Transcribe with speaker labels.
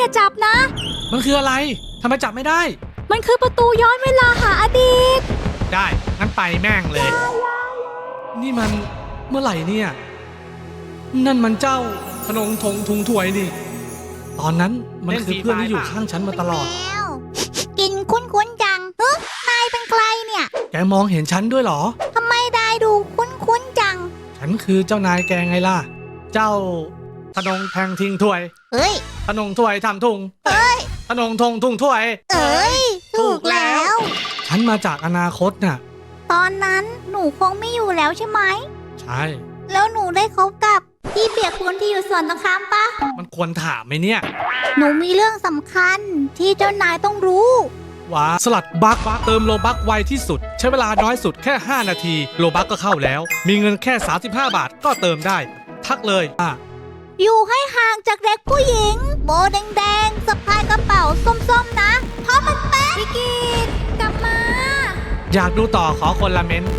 Speaker 1: อย่าจับนะ
Speaker 2: มันคืออะไรทำไมจับไม่ได้
Speaker 1: มันคือประตูย้อนเวลาหาอดีต
Speaker 2: ได้งั้นไปแม่งเลยนี่มันเมื่อไหร่เนี่ยนั่นมันเจ้าธนงทงทุงถวยนี่ตอนนั้นมันคือเพื่อนที่อยู่ข้างฉันมาตลอด
Speaker 3: กินคุ้นๆจังนายเป็นใครเนี่ย
Speaker 2: แกมองเห็นฉันด้วยเหรอ
Speaker 3: ทำไมได้ดูคุ้นๆจัง
Speaker 2: ฉันคือเจ้านายแกไงล่ะเจ้าธนงแทงทิ้งถวย
Speaker 3: เอ้ย
Speaker 2: ธนงถวยทำทุง
Speaker 3: เอ้ย
Speaker 2: ธนงทงทุงถวย
Speaker 3: เอ้ยถูกแล้ว
Speaker 2: ฉันมาจากอนาคตน่ะ
Speaker 3: ตอนนั้นหนูคงไม่อยู่แล้วใช่ไหม
Speaker 2: ใช่
Speaker 3: แล้วหนูได้คบกับพี่เปียกปูนที่อยู่สวนตรงข้ามปะ
Speaker 2: มันควรถามไหมเนี่ย
Speaker 3: หนูมีเรื่องสำคัญที่เจ้านายต้องรู้
Speaker 2: ว่าสลัดบัคเติมโลบัคไวที่สุดใช้เวลาน้อยสุดแค่5นาทีโลบัคก็เข้าแล้วมีเงินแค่35บาทก็เติมได้ทักเลย
Speaker 3: อยู่ให้ห่างจากเด็กผู้หญิงโบแดงๆสะพายกระเป๋าส้มๆนะเพราะมันเป๊ะ
Speaker 1: พี่กีดกลับมา
Speaker 2: อยากดูต่อขอคนละเม้น